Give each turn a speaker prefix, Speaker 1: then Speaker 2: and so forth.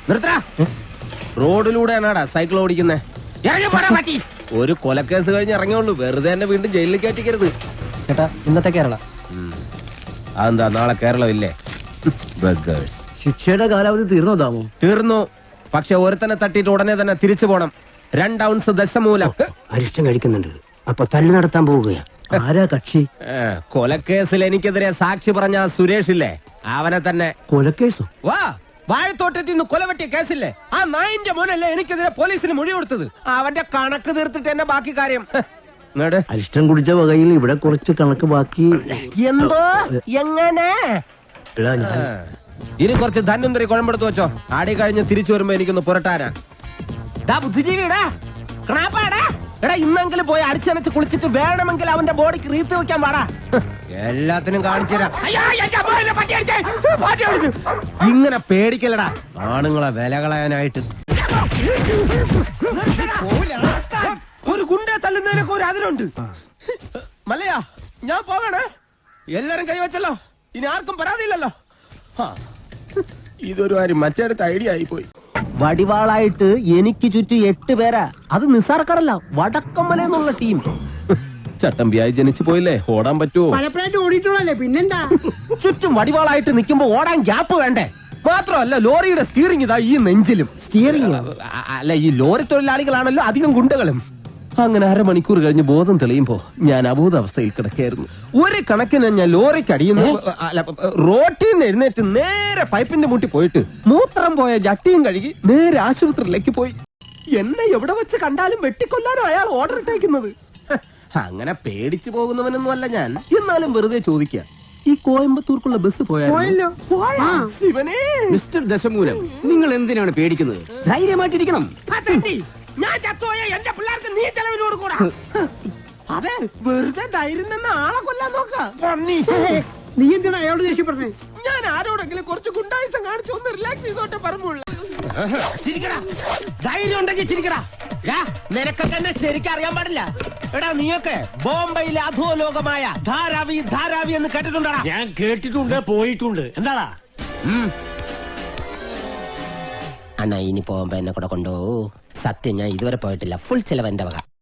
Speaker 1: നിർത്തടാ. റോഡിലൂടെയാണാടാ സൈക്കിൾ ഓടിക്കുന്നേ. ഒരു കൊലക്കേസ് കഴിഞ്ഞ് ഇറങ്ങിയുള്ളൂ, വെറുതെ എന്നെ വീണ്ടും ജയിലിൽ കയറ്റിക്കരുത്.
Speaker 2: ചേട്ടാ, ഇന്നത്തെ കേരള
Speaker 1: അതെന്താ നാളെ കേരളം ഇല്ലേ?
Speaker 2: ശിക്ഷയുടെ കാലാവധി തീർന്നോ?
Speaker 1: തീർന്നു. പക്ഷെ ഒരുത്തനെ തട്ടിയിട്ട് ഉടനെ തന്നെ തിരിച്ചു പോണം. 2 ഔൺസ് ദശമൂലം
Speaker 2: അരിഷ്ടം കഴിക്കുന്നുണ്ട്. അപ്പൊ തല്ലു നടത്താൻ പോവുകയാ. ആരാ കക്ഷി?
Speaker 1: കൊലക്കേസിൽ എനിക്കെതിരെ സാക്ഷി പറഞ്ഞ സുരേഷ് ഇല്ലേ, അവനെ തന്നെ.
Speaker 2: കൊലക്കേസോ?
Speaker 1: വാ, വാഴത്തോട്ടത്തിൽ നിന്ന് കൊലവെട്ടിയ കേസില്ലേ, ആ നായിന്റെ മോനല്ലേ എനിക്കെതിരെ പോലീസിന് മൊഴി കൊടുത്തത്. അവന്റെ കണക്ക് തീർത്തിട്ട് എന്നെ ബാക്കി കാര്യം.
Speaker 2: അരിഷ്ടം കുടിച്ച വകയിൽ ഇവിടെ കുറച്ച് കണക്ക് ബാക്കി.
Speaker 1: എന്തോ എങ്ങനെ? ഇനി കുറച്ച് ധന്വന്തരി കുഴമ്പെടുത്ത് വെച്ചോ. ആടി കഴിഞ്ഞ് തിരിച്ചു വരുമ്പോ എനിക്കൊന്ന് പുരട്ടാനാ. ബുദ്ധിജീവിടാ, എടാ ഇന്നെങ്കിലും പോയി അടിച്ചനച്ച് കുളിച്ചിട്ട് വേണമെങ്കിൽ അവന്റെ ബോഡിക്ക് റീത്ത് വെക്കാൻ പാടാ. എല്ലാത്തിനും കാണിച്ചുതരാം. ഇങ്ങനെ പേടിക്കലടാ ആണുങ്ങളെ വില കളയാനായിട്ട്. ഒരു ഗുണ്ടെ തല്ലുന്നതിനൊക്കെ ഒരു അതിലുണ്ട്. മല്ലയാ, ഞാൻ പോകണേ. എല്ലാരും കൈവച്ചല്ലോ, ഇനി ആർക്കും പരാതിയില്ലല്ലോ. ഇതൊരു കാര്യം മറ്റേടത്ത് ഐഡിയ ആയിപ്പോയി. വടിവാളായിട്ട് എനിക്ക് ചുറ്റും 8 പേരാ. അത് നിസ്സാർക്കാരല്ല, വടക്കമ്മലെന്നുള്ള ടീം. ചട്ടമ്പിയായി ജനിച്ചു പോയില്ലേ, ഓടാൻ പറ്റുമോ?
Speaker 3: പലപ്പോഴായിട്ട് ഓടിയിട്ടുള്ളല്ലേ, പിന്നെന്താ?
Speaker 1: ചുറ്റും വടിവാളായിട്ട് നിൽക്കുമ്പോ ഓടാൻ ഗ്യാപ്പ് വേണ്ടേ? മാത്രമല്ല ലോറിയുടെ സ്റ്റിയറിംഗ് ഇതാ ഈ നെഞ്ചിലും.
Speaker 2: സ്റ്റിയറിംഗ്
Speaker 1: അല്ല, ഈ ലോറി തൊഴിലാളികളാണല്ലോ അധികം ഗുണ്ടകളും. അങ്ങനെ അരമണിക്കൂർ കഴിഞ്ഞ് ബോധം തെളിയുമ്പോ ഞാൻ അബോധാവസ്ഥയിൽ കിടക്കായിരുന്നു. ഒരു കണക്കിന് ഞാൻ ലോറിക്ക് അടിയുന്നു. റോട്ടിൽ നിന്ന് എഴുന്നേറ്റ് നേരെ പൈപ്പിന്റെ മുട്ടി പോയിട്ട് മൂത്രം പോയ ജട്ടിയും കഴുകി നേരെ ആശുപത്രിയിലേക്ക് പോയി. എന്നെ എവിടെ വെച്ച് കണ്ടാലും വെട്ടിക്കൊല്ലാനോ അയാൾ ഓർഡർ ഇട്ടേക്കുന്നത്. അങ്ങനെ പേടിച്ചു പോകുന്നവനൊന്നും അല്ല ഞാൻ. എന്നാലും വെറുതെ ചോദിക്കുക, ഈ കോയമ്പത്തൂർക്കുള്ള ബസ് പോയാലോ? ശിവനേ,
Speaker 2: മിസ്റ്റർ ദശമൂലം, നിങ്ങൾ എന്തിനാണ് പേടിക്കുന്നത്? ധൈര്യമായിട്ടിരിക്കണം.
Speaker 1: ഞാൻ ചത്തോയ എന്റെ പിള്ളേർക്ക് നീ ചെലവിന് കൊടുക്കൂടാ. അതെ, വെറുതെ ധൈര്യം നിന്ന് ആളെ കൊല്ലാൻ നോക്ക.
Speaker 3: നീ എന്തിനാ അയാളോട് ദേഷ്യപ്പെട്ടേ?
Speaker 1: ഞാൻ ആരോടെങ്കിലും കുറച്ച് ഗുണ്ടായുസം കാണിച്ചു ഒന്ന് റിലാക്സ് ചെയ്തോട്ടെ പറഞ്ഞുള്ള. ചിരിക്കടാ, ധൈര്യം ഉണ്ടെങ്കിൽ ചിരിക്കടാ. നിനക്കൊക്കെ എന്നെ ശരിക്കും അറിയാൻ പാടില്ല. എടാ, നീയൊക്കെ ബോംബെയിലെ അധോലോകമായ ധാരാവി ധാരാവി എന്ന് കേട്ടിട്ടുണ്ടാ?
Speaker 4: ഞാൻ കേട്ടിട്ടുണ്ട്, പോയിട്ടുണ്ട്. എന്താടാ
Speaker 1: അണ്ണാ, ഇനി പോകുമ്പോ എന്നെ കൂടെ കൊണ്ടുപോകൂ. സത്യം, ഞാൻ ഇതുവരെ പോയിട്ടില്ല. ഫുൾ ചെലവ് എന്റെ വക.